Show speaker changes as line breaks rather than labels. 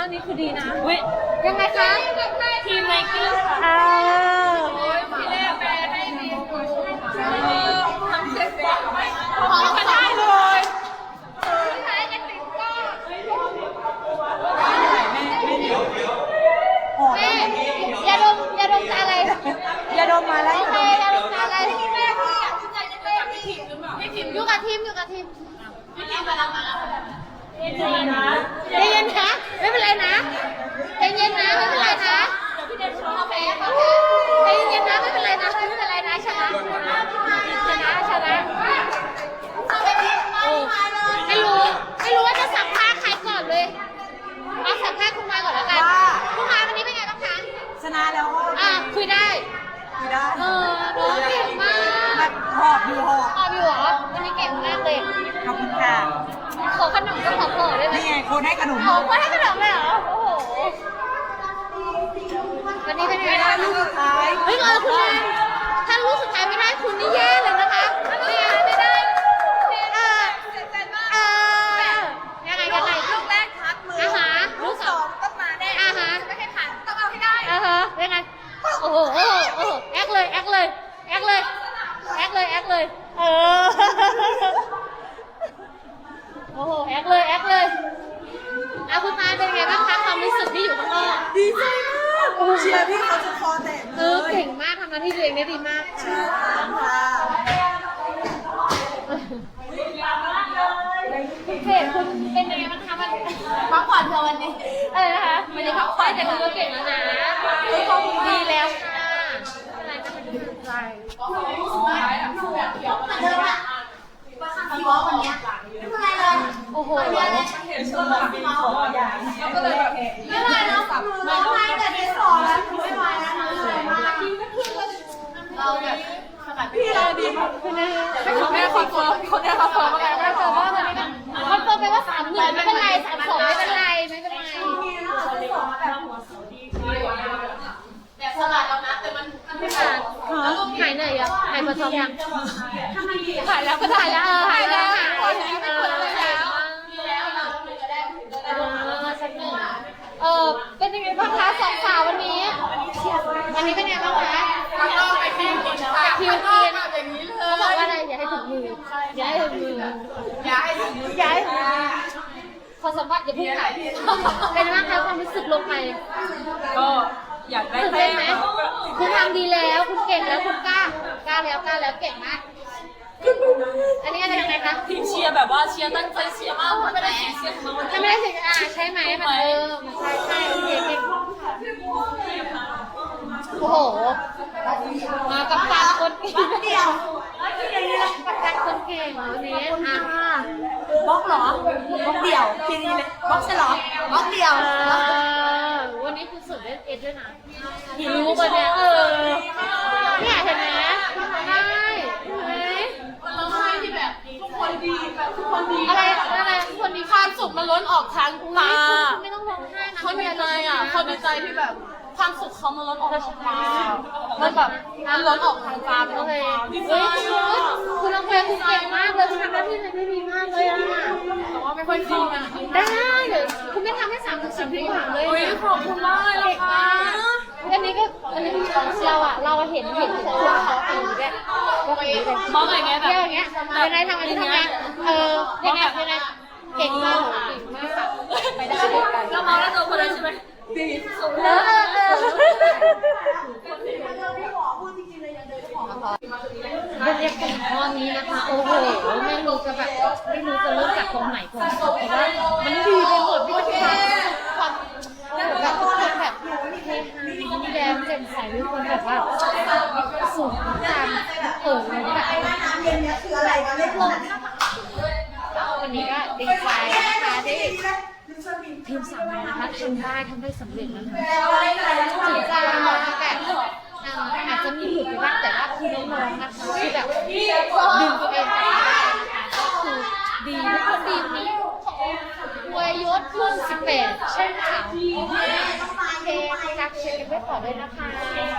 างนี้คือดีนะ
อุ้ย
ยังไงคะ
ทีมไนกี้ค่ะ
พี่เล่แปลให้ดีทำเสร็จ
ขอได้เลย
สุดท้ายจะติดก็แม่อย่าดมจะอะไร
อย่าดมมาแล้ว
โอเคอย่าดมจะอะไรแม่พี่อยากใจจะเล่นอยู่กับทีมพี่ทีมมาแล้วใจเย็นนะไม่เป็นไรนะใจเย็นนะไม่เป็นไรนะใจเย็นนะไม่เป็นไรนะไม่เป็นไรนะชนะไม่รู้ว่าจะสัมภาษณ์ใครก่อนเลยเอาสัมภาษณ์คุณมาก่อนแล้วกันคุณมาวันนี้เป็นไงบ้างคะ
ชนะแล้วก็
คุยได้
ได้
น้องเก่งมาก
แบบหอบอยู่หอบ
อยู่เหรอวันนี้เก่งมากเลย
ขอบคุณค่ะ
ขอขนมก็ขอได้ไหม
นี่ไงคนให้ขนม
คนให้ขนมเลยเหรอโอ้โหวันนี้เป็นไงบ้าง
ลูกสุดท้าย
เฮ้ยคุณแม่ถ้าลูกสุดท้ายไม่ได้คุณนี่แย่เลยนะคะไม่ได้ยังไง
ลูกแรกทัดมือลูกสองต้องมาแน่จะไม่ให้ผ่านต้องเอาให้ได้
ยังไงโอ้โหแอคเลยโอ้โหแอคเลยคุณตาเป็นไงบ้างคะความรู้สึกที่อยู่ข้างนอก
ดีใจมากเชียร์พี่เขาจะคอแตกเลย
เก่งมากทำหน้าที่ตัวเองได้ดีมาก
ค่ะ
เพจคุณเป็นยังไงบ้างคะมัน
พักผ่อนเธอวันนี้
อะไรนะคะวันนี้พักผ่อนแต่คุณก็เก่งแล้วนะดีแล้วค่ะอะไรก็ไม่ได้ใจ
พี่วอวันนี้ไม่เป็นไรเลย
โอ้โห
ไม่เป็นไรเราร้องไห้แต่ที่สองแล้วไม่ไหวแล้วนะเหนื่อยมากเราแบบพี่เราดีมาก
คนแรกคอนเฟิร์มว่าไงคอนเฟิร์มว่าตอนนี้คอนเฟิร์มไปว่า3-1ไม่เป็นไร3-2ไม่เป็นไร
แบบสลัดเรานะแต่มันไม่ผ่าน
หายเหนื่อยยังหายปวดท้องยัง
หายแล้ว
หายแล้วหายแล้วคนนี้ไม่ปวดแล้ว
แล้วเราจะได้ถึงจะได้ลงมา
สักหนึ่งเป็นยังไงบ้างคะสองสาววันนี้เป็นยังไงบ้างคะ
ข้างนอกไปที่กินค่ะ
คิว
ข้างน
กิ
อก
น
แบบอย่างนี้เล
เขาบอกว่าอะไรอย่าให้ถึงมือขอสัมภาษณ์อย่าเพิ่งถ่ายเป็นบ้างคะความรู้สึกลงไป
ก็อยากได้
ตื่น
แต้
เต้น
ม
ไหมคุณทำดีแล้วคุณเก่งแล้วคุณกล้าแล้วเก่งมากอันนี้อะไรยังไงคะ
ทีมเชียร์แบบว่าเชียร์ตั้งใจเชียร์มากไม่ได้เชียร์เขา
ถ้าไม่ได้สิใช่ไหมมันใช่โอเคเก่งโอ้โหมากับการคนเก่งเดียวกับการคนเก่งวันนี้
บล็อกเหรอบล็อกเดี่ยวทีนี้เลยบล็อกใช่เหรอบล็อกเดี่ยว
วันนี้คุณสุดได้เอ็ดด้วยนะรู้ป่ะเนี่ยเนี่ยเห็นไหมใช่ไหม
เราให้ที่แบบทุกคนดีแบบทุกคนดี
อะไรคนดี
ความสุขมันล้นออกทางตา
ไม่ต้องร้องไห้นะ
เขาดีใจอ่ะเขาดีใจที่แบบความสุขเขามันล้นออกทางตามันแบบมันล้นออกทางตา
โอเค
ดีใจ
คุณน้องเฟย์คุณเก่งมากเลยคุณทำหน้าที่ได้ดีมากเลยอ่ะ
แต่ว่าไม่ค่อยเข้านะ
ได้เลยคุณไม่ทำให้3-10ดีกว่าเลย
อุ้ยขอบคุณมากเลยนะคะ
อันนี้เราเห็นคุณเขาทำด้วยว่าแบบนี้เลย
มองอย่างเงี้ยแบบ
อย่างเงี้ยยังไงทำอันนี้ทำไงยังไงเก่งมากไปได้ด้วยกัน
ก็มองแล้วตัวคนนั้นใช่ไหมดี
บรรยากาศตอนนี้นะคะโอ้โหไม่รู้จะเริ่มจากตรงไหนก่อนเพราะว่ามันดีไปหมดพี่ความแบบทุกคนแบบเฮฮายิ้มแย้มแจ่มใสทุกคนแบบว่าสูงการเลยแบบวันนี้ก็ดีใจนะคะที่ทีมสาวนะคะทำได้สำเร็จนะคะถึงจะแบบอาจจะมีหลุดไปบ้างแต่ว่าคือน้องๆนะคะที่แบบดึงตัวเองกลับมาได้นะคะก็คือดีทุกคนดีนี้ววยศรุ่น18ใช่ไหมคะโอเครักเชียร์กันไว้ต่อเลยนะคะ